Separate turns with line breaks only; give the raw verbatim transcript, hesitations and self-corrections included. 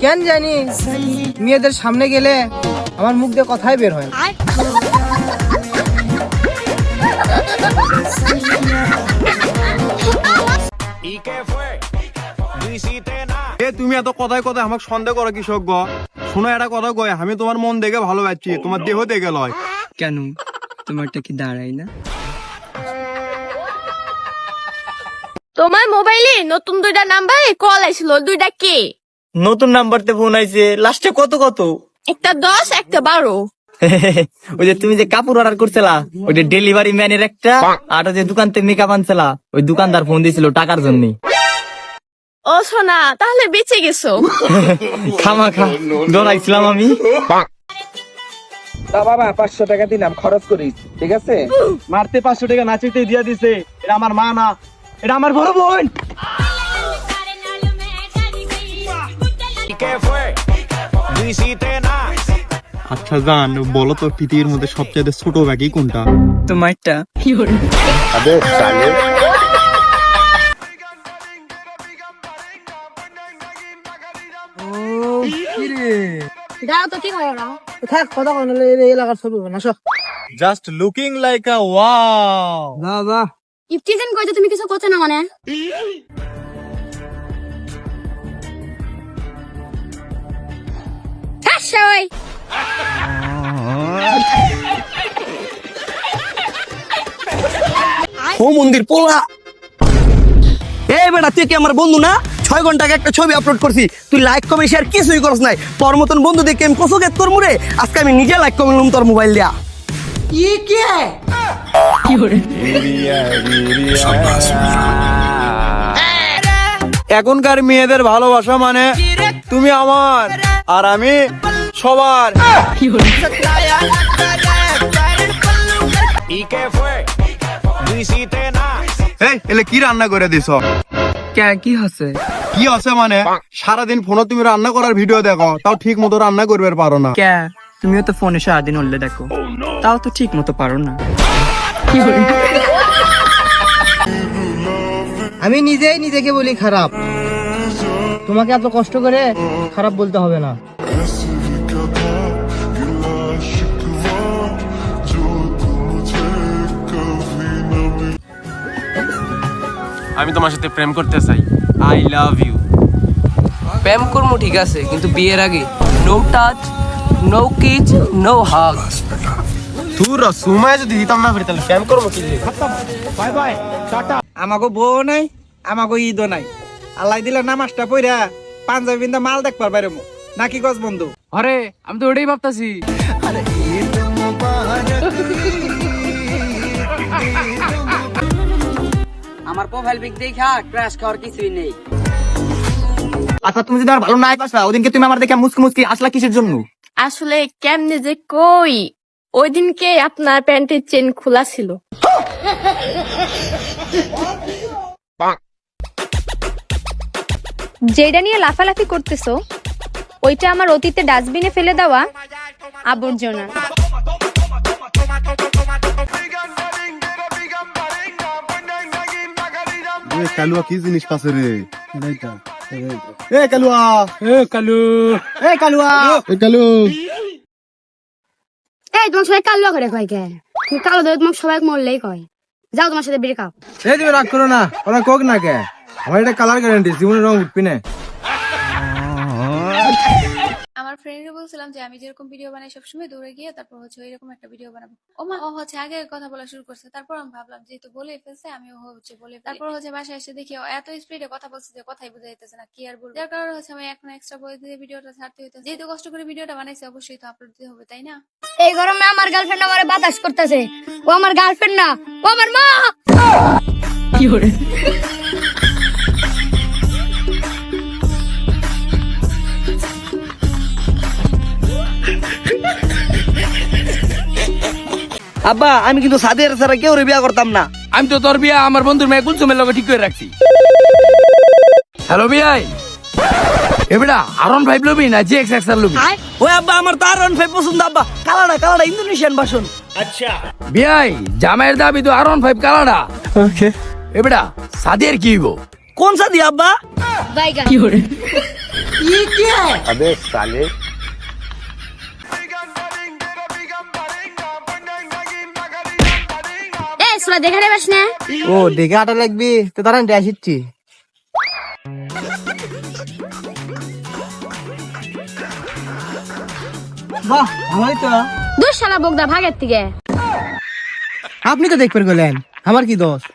কেন জানি মেয়েদের সামনে গেলে আমার মুখ দিয়ে কথাই বের হয় না।
তুমি এত কথায় কথায় আমাকে সন্দেহ করো কৃষক গ শোনো একটা কথা কয়, আমি তোমার মন দেখে ভালো পাচ্ছি, তোমার দেহ দেখে লয়।
কেন তোমারটা কি দাঁড়াই না?
তোমার মোবাইলে নতুন দুইটা নাম্বারে কল আইছিল, দুইটা কি?
নতুন নাম্বারতে ফোন আইছে, লাস্টে কত কত?
একটা দশ একটা বারো।
ওই যে তুমি যে কাপড় অর্ডার করছিলা, ওই যে ডেলিভারি ম্যানের একটা, আর ওই যে দোকান থেকে মেকআপ আনছিলা, ওই দোকানদার ফোন দিয়েছিল টাকার জন্য।
ও সোনা, তাহলে বেঁচে গেছো।
খামা খা ডরাইছিলাম আমি।
বাবা পাঁচশো টাকা দিলাম, খরচ করিস, ঠিক আছে?
মারতে পাঁচশো টাকা নাচিতে দিয়া দিছে, এটা আমার মা না, এটা আমার বড় বোন। আচ্ছা জান, বলো তো পৃথিবীর মধ্যে সবচেয়ে ছোট ব্যাগই কোনটা?
তোমারটা।
দাও তো, কি হয় ওরা?
থাক, কথা কন, এলাকার ছবি না সব।
Just looking like a wow.
না না,
ইফতিজেন কইতে তুমি কিছু করতে না মানে? হাসই
ও মন্দির পোলা। এই বেটা, তুই কি আমার বন্ধু না? ছয় ঘন্টা আগে একটা ছবি আপলোড করছি, তুই লাইক কমেন্ট শেয়ার কিছুই করছ নাই। তোর মতন বন্ধু দেখে আমি কত গেট করবো রে। আজকে আমি নিজে লাইক কমেন্ট লুম তোর মোবাইল দিয়া।
এখনকার মেয়েদের ভালোবাসা মানে তুমি আমার আর আমি সবার। এই এলে কি রান্না করে দিছ?
কে কি হচ্ছে?
কি আছে মানে সারাদিন ফোনে তুমি রান্না করার ভিডিও দেখো, তাও ঠিক মতো রান্না করবে পারো না।
কে তুমিও তো ফোনে সারাদিন উঠলে দেখো, তাও তো ঠিক মতো পারো না।
আমি নিজেই নিজেকে বলি খারাপ, তোমাকে এত কষ্ট করে খারাপ বলতে হবে না।
আমি তোমার সাথে প্রেম করতে চাই। I love you.
প্রেম করবো ঠিক আছে, কিন্তু বিয়ের আগে no touch, no kiss, no hug.
তুই রসুমায় যদি দিতাম না ফিরে তাহলে প্রেম করবো কি? Bye bye, tata.
আমাকে বউ নাই, আমাকে ঈদও নাই। আল্লাহ দিলে নামাজটা পইরা পাঞ্জাবি বিন্দা মাল দেখ পার বাইরে নাকি গজ বন্ধু।
আরে আমি তো ওটাই ভাবতাছি। আমার প্রোফাইল পিক দেখা ক্র্যাশ খাওয়ার কিছুই নেই।
আচ্ছা তুমি যদি আমার ভালো নাই পাসা, ওদিনকে তুমি আমার দেখে মুসকি মুসকি আসলা কিসের জন্য?
আসলে কেমনে যে কই, ওই দিনকে আপনার প্যান্টের চেন খোলা ছিল।
যেটা নিয়ে লাফালাফি করতেছো, ওইটা আমার অতীতে ডাস্টবিনে ফেলে দেওয়া আবর্জনা।
কালুয়া কি জিনিস পাশে রে? এ কালুয়া, এ কালু, এ কালুয়া, এ কালু।
এই তোমার সবাই কালো করে কয় কে? তুমি কালো ধরে তোমাকে সবাই মরলেই কয়। যাও তোমার সাথে ব্রেকআপ।
এই তুমি রাগ করো না, ওরা কোক না কে, আমার এটা কালার গ্যারান্টি, জীবনের রং উঠবি না।
আমার ফ্রেন্ডকে বলছিলাম যে আমি যেরকম ভিডিও বানাই সবসময় দৌড়ে গিয়ে তারপর হচ্ছে এরকম একটা ভিডিও বানাবো। ও মা, ও হচ্ছে আগে কথা বলা শুরু করছে, তারপর আমি ভাবলাম যেহেতু বলে ফেলছে আমি ও হচ্ছে বলে, তারপর হচ্ছে বাসায় এসে দেখি ও এত স্পিডে কথা বলছে যে কথাই বোঝা যাইতেছে না, কি আর বলবো। যার কারণে হচ্ছে আমি এখন এক্সট্রা বই দিয়ে ভিডিওটা ছাড়তে হইতেছে। যেহেতু কষ্ট করে ভিডিওটা বানাইছে অবশ্যই তো আপলোড দিতে হবে, তাই না?
এই গরমে আমার গার্লফ্রেন্ড আমারে বাতাস করতেছে। ও আমার গার্লফ্রেন্ড না, ও আমার মা।
কি করে?
আব্বা, আমি কিন্তু সাদিয়ার ছাড়া কেউ বিয়া করতাম না।
আমি তো তোর বিয়া আমার বন্ধুর মেয়ে কুলসুমের লগে ঠিক করে রাখছি। হ্যালো বিয়াই, এবেটা আরন ফাইভ লবি না জি এক্স এক্স আর লবি?
ওই আব্বা, আমার তো আর ওয়ান ফাইভ পছন্দ আব্বা। কালাডা কালাডা ইন্দোনেশিয়ান ভাষণ।
আচ্ছা বিয়াই, জামাইয়ের দাবি তো আরন ফাইভ কালাডা। ওকে এবেটা সাদিয়ার কি হইব?
কোন সাদি আব্বা?
বাইগা।
কি করে?
এ সুলা দেখে নেবাস না
ও দেখে আটা লাগবি তো তারা আসিচ্ছি বাহ ভালোই তো
দুই শালা বগদা ভাগের থেকে
আপনি তো দেখবেন গেলেন আমার কি দোষ